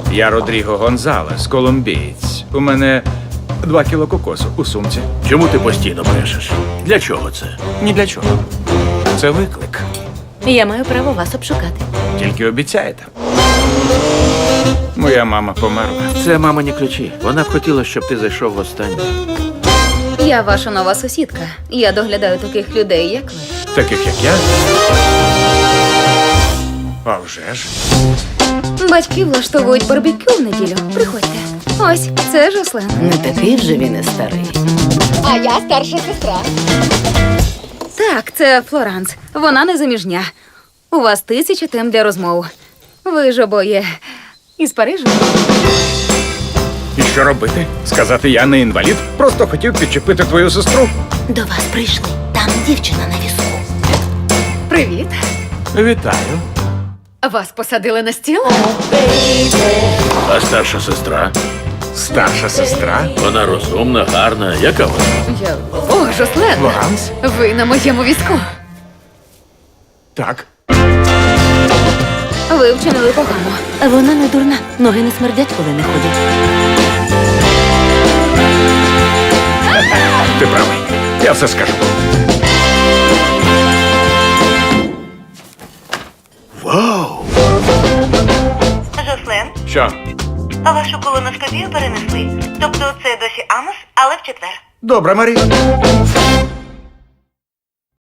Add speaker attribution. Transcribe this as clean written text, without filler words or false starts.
Speaker 1: Я Родріго Гонзалес, колумбієць. У мене 2 кіло кокосу у сумці.
Speaker 2: Чому ти постійно брешеш? Для чого це?
Speaker 1: Ні для чого. Це виклик.
Speaker 3: Я маю право вас обшукати.
Speaker 1: Тільки обіцяєте. Моя мама померла.
Speaker 2: Це мамині ключі. Вона б хотіла, щоб ти зайшов востаннє.
Speaker 3: Я ваша нова сусідка. Я доглядаю таких людей, як ви.
Speaker 1: Таких, як я. А вже ж.
Speaker 3: Батьки влаштовують барбекю в неділю. Приходьте. Ось, це Жослен.
Speaker 4: Не такий вже він і старий.
Speaker 3: А я старша сестра. Так, це Флоранс. Вона незаміжня. У вас 1000 тем для розмов. Ви ж обоє із Парижу.
Speaker 1: І що робити? Сказати, я не інвалід? Просто хотів підчепити твою сестру.
Speaker 4: До вас прийшли. Там дівчина на візку.
Speaker 3: Привіт.
Speaker 1: Вітаю.
Speaker 3: Вас посадили на стіл?
Speaker 2: А старша сестра?
Speaker 1: Старша сестра.
Speaker 2: Вона розумна, гарна. Яка вона?
Speaker 3: О, Жослен.
Speaker 1: Флоранс?
Speaker 3: Ви на моєму візку.
Speaker 1: Так.
Speaker 3: Ви вчинили погано.
Speaker 4: Вона не дурна. Ноги не смердять, коли не ходять.
Speaker 1: Ти правий. Я все скажу.
Speaker 2: Вау!
Speaker 5: Жослен,
Speaker 1: Що?
Speaker 5: а вашу колоноскопію перенесли. Тобто це досі Амос, але в четвер.
Speaker 1: Добре, Марі.